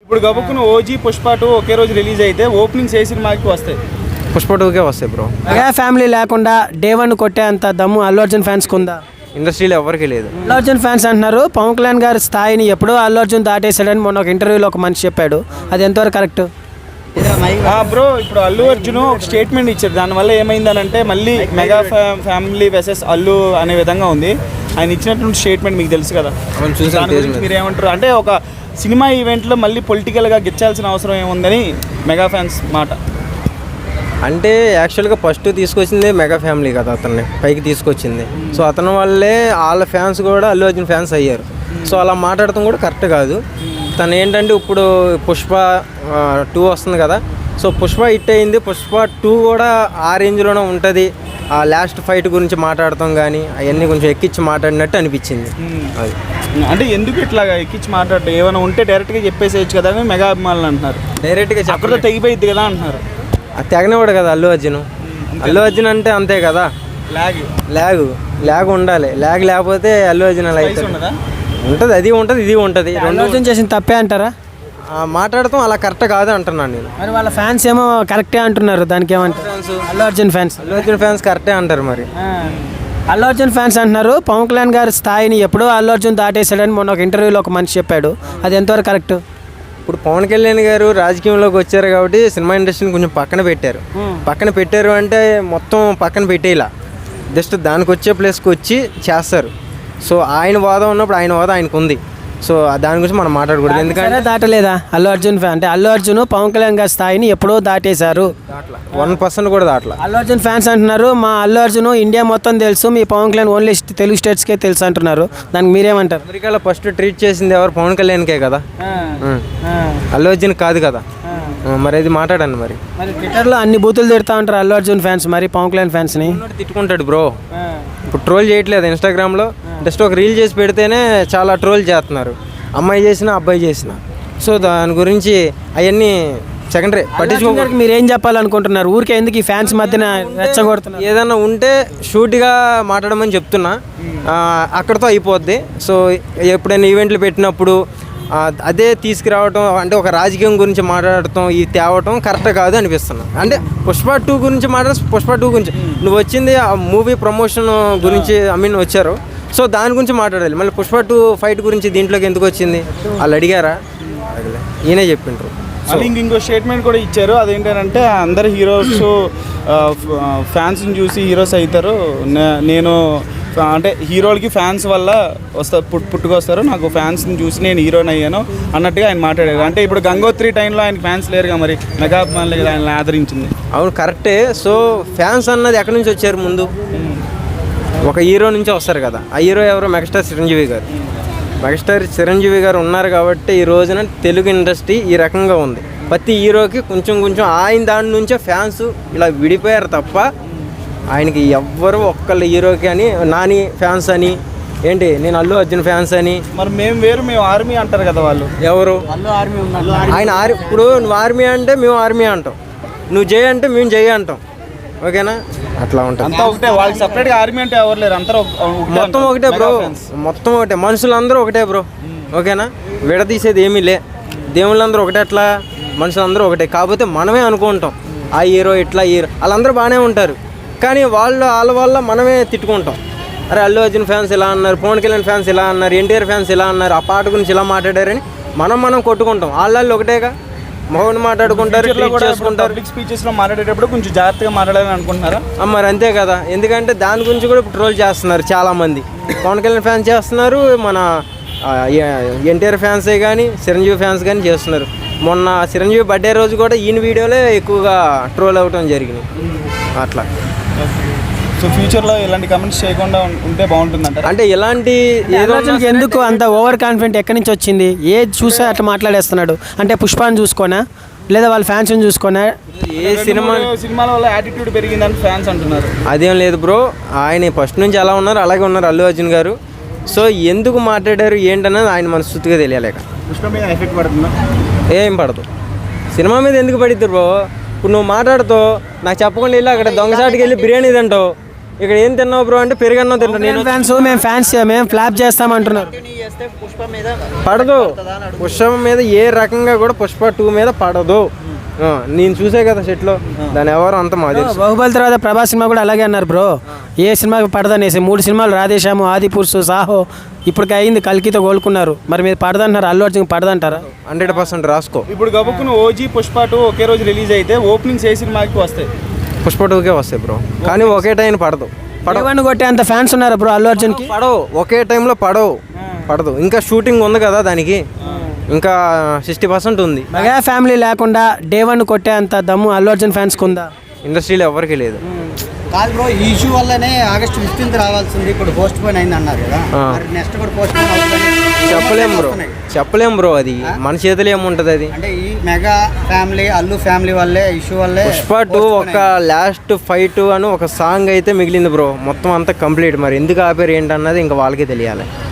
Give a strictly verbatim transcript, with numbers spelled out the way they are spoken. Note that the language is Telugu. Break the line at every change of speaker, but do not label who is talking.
ఇప్పుడు గబుక్కున ఓజీ పుష్ప టూ ఒకే రోజు రిలీజ్ అయితే ఓపెనింగ్స్ ఏ సినిమాకి వస్తాయి?
పుష్ప టూకే వస్తాయి బ్రో.
మెగా ఫ్యామిలీ లేకుండా డే వన్ కొట్టే అంత దమ్ము అల్లు అర్జున్ ఫ్యాన్స్కి ఉందా?
ఇండస్ట్రీలో ఎవరికి లేదు.
అల్లు అర్జున్ ఫ్యాన్స్ అంటున్నారు పవన్ కళ్యాణ్ గారి స్థాయిని ఎప్పుడో అల్లు అర్జున్ దాటేశాడని మొన్న ఒక ఇంటర్వ్యూలో ఒక మనిషి చెప్పాడు. అది ఎంతవరకు కరెక్ట్?
బ్రో ఇప్పుడు అల్లు అర్జున్ ఒక స్టేట్మెంట్ ఇచ్చారు. దానివల్ల ఏమైందనంటే మళ్ళీ మెగా ఫ్యామిలీ వెసెస్ అల్లు అనే విధంగా ఉంది. ఆయన ఇచ్చినటువంటి స్టేట్మెంట్ మీకు తెలుసు కదా, దాని గురించి మీరు ఏమంటారు? అంటే ఒక సినిమా ఈవెంట్లో మళ్ళీ పొలిటికల్గా గెచ్చాల్సిన అవసరం ఏముందని మెగా ఫ్యాన్స్ మాట.
అంటే యాక్చువల్గా ఫస్ట్ తీసుకొచ్చింది మెగా ఫ్యామిలీ కదా, అతన్ని పైకి తీసుకొచ్చింది. సో అతని వల్లే వాళ్ళ ఫ్యాన్స్ కూడా అల్లు అర్జున్ ఫ్యాన్స్ అయ్యారు. సో అలా మాట్లాడటం కూడా కరెక్ట్ కాదు. తను ఏంటంటే ఇప్పుడు పుష్ప టూ వస్తుంది కదా, సో పుష్ప హిట్ అయింది. పుష్ప టూ కూడా ఆ రేంజ్లోనే ఉంటుంది. ఆ లాస్ట్ ఫైట్ గురించి మాట్లాడతాం కానీ అవన్నీ కొంచెం ఎక్కించి మాట్లాడినట్టు అనిపించింది. అది
అంటే ఎందుకు ఇట్లాగా ఎక్కించి మాట్లాడటం? ఏమైనా ఉంటే డైరెక్ట్గా చెప్పేసేయచ్చు కదా అని మెగా అభిమానులు అంటున్నారు.
డైరెక్ట్గా
అక్కడ తెగిపోయిద్ది కదా అంటున్నారు.
అది తెగనివాడు కదా అల్లు అర్జున్. అల్లు అర్జున్ అంటే అంతే కదా,
లాగ్
లాగ్ లాగ్ ఉండాలి. లాగ్ లేకపోతే అల్లు అర్జున్ అలా అయితే ఉంటుంది. అది ఉంటుంది, ఇది ఉంటుంది.
అల్లు అర్జున్ చేసిన తప్పే అంటారా?
మాట్లాడతాం అలా కరెక్ట్ కాదు అంటున్నాను నేను.
మరి వాళ్ళ ఫ్యాన్స్ ఏమో కరెక్టే అంటున్నారు. దానికి ఏమంటారు? అల్లు అర్జున్ ఫ్యాన్స్
అల్లు అర్జున్ ఫ్యాన్స్ కరెక్టే అంటారు. మరి
అల్లు అర్జున్ ఫ్యాన్స్ అంటున్నారు పవన్ కళ్యాణ్ గారి స్థాయిని ఎప్పుడో అల్లు అర్జున్ దాటేశాడని మొన్న ఒక ఇంటర్వ్యూలో ఒక మనిషి చెప్పాడు. అది ఎంతవరకు కరెక్ట్?
ఇప్పుడు పవన్ కళ్యాణ్ గారు రాజకీయంలోకి వచ్చారు కాబట్టి సినిమా ఇండస్ట్రీని కొంచెం పక్కన పెట్టారు. పక్కన పెట్టారు అంటే మొత్తం పక్కన పెట్టేలా జస్ట్ దానికి వచ్చే ప్లేస్కి వచ్చి చేస్తారు. సో ఆయన వాదం ఉన్నప్పుడు ఆయన వాదం ఆయనకు ఉంది. సో దాని గురించి మనం మాట్లాడకూడదు. ఎందుకంటే
దాటలేదా అల్లు అర్జున్ ఫ్యాన్? అంటే అల్లు అర్జున్ పవన్ కళ్యాణ్ గారి స్థాయిని ఎప్పుడో దాటేశారు.
వన్ పర్సెంట్ కూడా దాటలా.
అల్లు అర్జున్ ఫ్యాన్స్ అంటున్నారు మా అల్లు అర్జున్ ఇండియా మొత్తం తెలుసు, మీ పవన్ కళ్యాణ్ ఓన్లీ తెలుగు స్టేట్స్కే తెలుసు అంటున్నారు. దానికి మీరేమంటారు?
అమెరికాలో ఫస్ట్ ట్రీట్ చేసింది ఎవరు? పవన్ కళ్యాణ్కే కదా, అల్లు అర్జున్ కాదు కదా. మరి అది మాట్లాడండి. మరి
మరి ట్విట్టర్లో అన్ని బూతులు తిడతా ఉంటారు అల్లు అర్జున్ ఫ్యాన్స్, మరి పవన్ కళ్యాణ్ ఫ్యాన్స్ని
తిట్టుకుంటాడు బ్రో. ఇప్పుడు ట్రోల్ చేయట్లేదు ఇన్స్టాగ్రామ్లో, జస్ట్ ఒక రీల్ చేసి పెడితేనే చాలా ట్రోల్ చేస్తున్నారు. అమ్మాయి చేసిన అబ్బాయి చేసిన. సో దాని గురించి అవన్నీ సెకండరీ పట్టించుకోవడానికి
మీరు ఏం చెప్పాలనుకుంటున్నారు? ఊరికే ఎందుకు ఈ ఫ్యాన్స్ మధ్యన రెచ్చగొడుతున్నారు?
ఏదన్నా ఉంటే షూట్గా మాట్లాడమని చెప్తున్నా, అక్కడితో అయిపోద్ది. సో ఎప్పుడైనా ఈవెంట్లు పెట్టినప్పుడు అదే తీసుకురావటం అంటే ఒక రాజకీయం గురించి మాట్లాడటం ఈ తేవటం కరెక్ట్ కాదు అనిపిస్తున్నా. అంటే పుష్ప టూ గురించి మాట్లాడ పుష్ప టూ గురించి నువ్వు వచ్చింది ఆ మూవీ ప్రమోషన్ గురించి ఐ మీన్ వచ్చారు. సో దాని గురించి మాట్లాడాలి. మళ్ళీ పుష్ప టూ ఫైట్ గురించి దీంట్లోకి ఎందుకు వచ్చింది వాళ్ళు అడిగారా? ఈయనే చెప్పిండ్రు.
మళ్ళీ ఇంక ఇంకో స్టేట్మెంట్ కూడా ఇచ్చారు. అదేంటంటే అందరు హీరోస్ ఫ్యాన్స్ని చూసి హీరోస్ అవుతారు. నేను అంటే హీరోలకి ఫ్యాన్స్ వల్ల వస్తా పుట్ పుట్టుకొస్తారు, నాకు ఫ్యాన్స్ని చూసి నేను హీరోని అయ్యాను అన్నట్టుగా ఆయన మాట్లాడారు. అంటే ఇప్పుడు గంగోత్రి టైంలో ఆయన ఫ్యాన్స్ లేరుగా, మరి మెగా అభిమానులు ఆయన ఆదరించింది.
అవును కరెక్టే. సో ఫ్యాన్స్ అన్నది ఎక్కడి నుంచి వచ్చారు? ముందు ఒక హీరో నుంచి వస్తారు కదా. ఆ హీరో ఎవరో? మెగాస్టార్ చిరంజీవి గారు. మెగాస్టార్ చిరంజీవి గారు ఉన్నారు కాబట్టి ఈ రోజున తెలుగు ఇండస్ట్రీ ఈ రకంగా ఉంది. ప్రతి హీరోకి కొంచెం కొంచెం ఆయన దాని నుంచే ఫ్యాన్స్ ఇలా విడిపోయారు తప్ప ఆయనకి ఎవ్వరు ఒక్కళ్ళ హీరోకి అని నాని ఫ్యాన్స్ అని ఏంటి నేను అల్లు అర్జున్ ఫ్యాన్స్ అని.
మరి మేము వేరు మేము ఆర్మీ అంటారు కదా వాళ్ళు.
ఎవరు?
అల్లు ఆర్మీ ఉన్నారు.
ఆయన ఆర్మీ. ఇప్పుడు నువ్వు ఆర్మీ అంటే మేము ఆర్మీ అంటాం, నువ్వు జై అంటే మేము జై అంటాం. ఓకేనా? అట్లా ఉంటుంది.
అంతా ఒకటే. వాళ్ళకి సపరేట్గా ఆర్మీ అంటే ఎవరు లేరు, అందరూ
మొత్తం ఒకటే బ్రో. మొత్తం ఒకటే, మనుషులందరూ ఒకటే బ్రో. ఓకేనా? విడదీసేది ఏమీ లే. దేవుళ్ళందరూ ఒకటే, అట్లా మనుషులందరూ ఒకటే. కాకపోతే మనమే అనుకుంటాం ఆ హీరో ఇట్లా హీరో వాళ్ళందరూ బాగానే ఉంటారు, కానీ వాళ్ళు వాళ్ళ వల్ల మనమే తిట్టుకుంటాం. అరే అల్లు అర్జున్ ఫ్యాన్స్ ఇలా అన్నారు, పవన్ కళ్యాణ్ ఫ్యాన్స్ ఇలా అన్నారు, ఎన్టీఆర్ ఫ్యాన్స్ ఇలా అన్నారు, ఆ పాట గురించి ఇలా మాట్లాడారని మనం మనం కొట్టుకుంటాం. వాళ్ళు ఒకటేగా మౌన్ మాట్లాడుకుంటారు, చేసుకుంటారు.
పబ్లిక్ స్పీచెస్లో మాట్లాడేటప్పుడు కొంచెం జాగ్రత్తగా మాట్లాడాలని అనుకుంటున్నారా?
మరి అంతే కదా. ఎందుకంటే దాని గురించి కూడా ట్రోల్ చేస్తున్నారు చాలామంది. పవన్ కళ్యాణ్ ఫ్యాన్స్ చేస్తున్నారు, మన ఎన్టీఆర్ ఫ్యాన్సే కానీ చిరంజీవి ఫ్యాన్స్ కానీ చేస్తున్నారు. మొన్న చిరంజీవి బర్త్డే రోజు కూడా ఈయన వీడియోలే ఎక్కువగా ట్రోల్ అవ్వటం జరిగింది. అట్లా.
సో ఫ్యూచర్లో ఇలాంటి కమెంట్స్ చేయకుండా ఉంటే బాగుంటుందంట.
అంటే ఇలాంటి
ఎందుకు అంత ఓవర్ కాన్ఫిడెంట్ ఎక్కడి నుంచి వచ్చింది? ఏది చూసా అట్లా మాట్లాడేస్తున్నాడు? అంటే పుష్పాన్ని చూసుకోనా లేదా వాళ్ళ ఫ్యాన్స్ని చూసుకోనా?
ఏ సినిమా సినిమాల వల్ల యాటిట్యూడ్ పెరిగిందని ఫ్యాన్స్ అంటున్నారు.
అదేం లేదు బ్రో, ఆయన ఫస్ట్ నుంచి అలా ఉన్నారు, అలాగే ఉన్నారు అల్లు అర్జున్ గారు. సో ఎందుకు మాట్లాడారు ఏంటన్నది ఆయన మనస్ఫూర్తిగా తెలియలేక.
పుష్ప మీద ఎఫెక్ట్ పడుతుందా?
ఏం పడదు. సినిమా మీద ఎందుకు పడిద్దు బ్రో? ఇప్పుడు నువ్వు మాట్లాడుతూ నాకు చెప్పకుండా వెళ్ళి అక్కడ దొంగసాటికి వెళ్ళి బిర్యానీ తింటావు, ఇక్కడ ఏం తిన్నావు బ్రో అంటే పెరుగన్నం తింటా నేను.
ఫ్యాన్స్ మేము ఫ్యాన్స్ మేము ఫ్లాప్ చేస్తాం అంటున్నారు.
పడదు పుష్ప మీద ఏ రకంగా కూడా పుష్ప టూ మీద పడదు. ఆ, నేను చూసే కదా సెట్లో దాని ఎవరు అంత మాది.
బాహుబలి తర్వాత ప్రభాస్ సినిమా కూడా అలాగే అన్నారు బ్రో, ఏ సినిమాకి పడదనేసి. మూడు సినిమాలు రాధేశాము, ఆది పురుషు, సాహో, ఇప్పటికి అయింది కల్కితో కోలుకున్నారు. మరి మీరు పడదంటున్నారు, అల్లు అర్జున్ పడదంటారా?
హండ్రెడ్ పర్సెంట్ రాసుకో.
ఇప్పుడు గబుక్కును ఓజీ పుష్ప టూ ఒకే రోజు రిలీజ్ అయితే ఓపెనింగ్స్ ఏ సినిమాకి వస్తాయి?
పుష్ప టూకే వస్తాయి బ్రో, కానీ ఒకే టైం పడదు.
పడవని కొట్టే అంత ఫ్యాన్స్ ఉన్నారు బ్రో అల్లు అర్జున్కి.
పడవు ఒకే టైంలో పడవు పడదు. ఇంకా షూటింగ్ ఉంది కదా దానికి, ఇంకా సిక్స్టీ పర్సెంట్ ఉంది.
మెగా ఫ్యామిలీ లేకుండా డే వన్ కొట్టే అంత దమ్ము అల్లు అర్జున్ ఫ్యాన్స్కి ఉందా?
ఇండస్ట్రీలో ఎవరికి లేదు.
కాదు బ్రో, ఈ ఇష్యూ వల్లనే ఆగస్ట్ ఫిఫ్టీన్త్ రావాల్సింది, ఇప్పుడు పోస్ట్ పోన్ అయింది అన్నారు కదా. మరి నెక్స్ట్ కూడా పోస్ట్ పోన్ అవుతుంది.
చెప్పలేం బ్రో, చెప్పలేం బ్రో, అది మన చేతిలో ఏముంటుంది అది.
అంటే ఈ మెగా ఫ్యామిలీ అల్లు ఫ్యామిలీ వల్లే ఇష్యూ వల్లే
పుష్ప టూ ఒక లాస్ట్ ఫైట్ అని ఒక సాంగ్ అయితే మిగిలింది బ్రో, మొత్తం అంతా కంప్లీట్. మరి ఎందుకు ఆపారు ఏంటన్నది ఇంకా వాళ్ళకే తెలియాలి.